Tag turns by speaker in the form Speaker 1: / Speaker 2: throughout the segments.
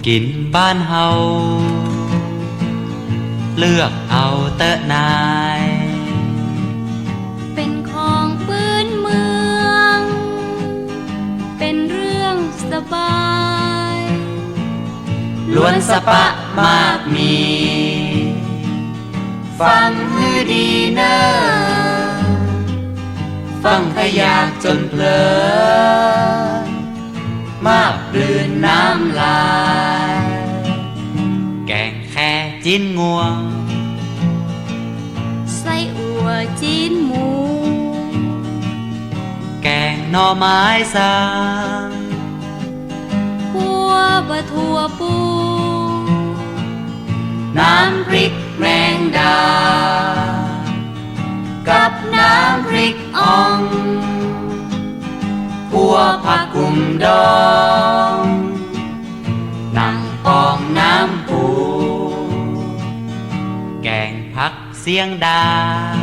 Speaker 1: กินบ้านเฮาเลือกเอาเตอะนาย
Speaker 2: เป็นของพื้นเมืองเป็นเรื่องสบาย
Speaker 1: ล้วนสะปะมากมีฟังฮือดีเนอฟังขยากจนเพลินมากปลืนน้ำลายแกงแค่จิ้นงวง
Speaker 2: ไส้อั่วจีนหมู
Speaker 1: แกงหน่อไม้สัง
Speaker 2: หัวบะทั่วปู
Speaker 1: น้ำพริกแมงดากับน้ำพริกอ่องพัวผักกุมดองหนังปองน้ำปูแกงผักเสียงดา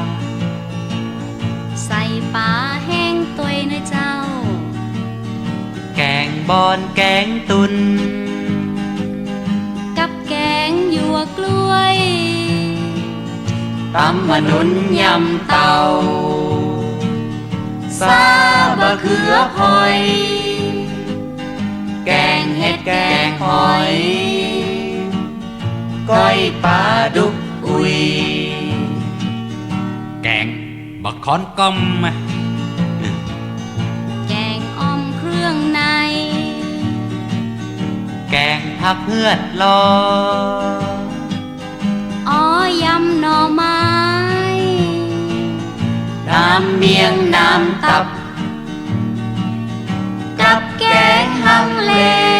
Speaker 2: ใส่ปลาแห้งตัวยนะเจ้า
Speaker 1: แกงบอนแกงตุน
Speaker 2: กับแกงหยวกกล้วย
Speaker 1: ตำมะนุนยำเตาซาบะเขือหอยแกงเห็ดแกงหอยก้อยปลาดุกอุยแกงบักคอนก้อม
Speaker 2: แกงอ่อมเครื่องใน
Speaker 1: แกงผักเหือดลอ
Speaker 2: อ้อยำหน่อไม้
Speaker 1: น้ำเมียงน้ำตับกับแกงฮังเล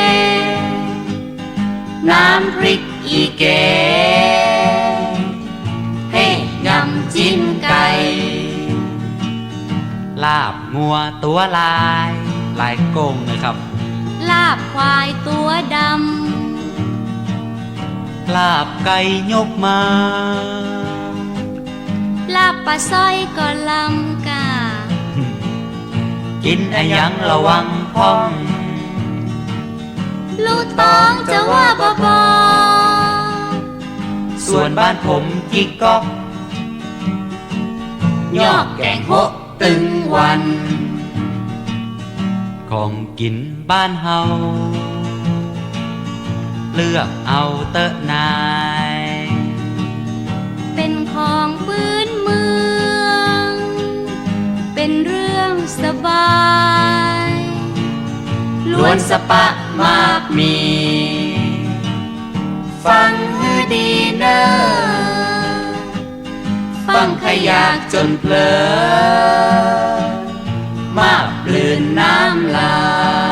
Speaker 1: น้ำพริกอีแกงให้ยำจิ้นไก่ลาบงัวตัวลายโกงเลยครับ
Speaker 2: ลาบควายตัวด
Speaker 1: ำลาบไก่ยกมา
Speaker 2: ลาบปลาสร้อยก็ลำกา
Speaker 1: กินอะยังระวังพ้อง
Speaker 2: ลูกต้องจะว่าบอ
Speaker 1: ส่วนบ้านผมจิกก๊อกยอกแกงโฮตึงวันของกินบ้านเฮาเลือกเอาเตอะนาย
Speaker 2: เป็นของพื้นเมืองเป็นเรื่องสบาย
Speaker 1: ล้วนสะปะมากมีฟังฮือดีเนอฟังขยากจนเพลินมากปลืนน้ำลาย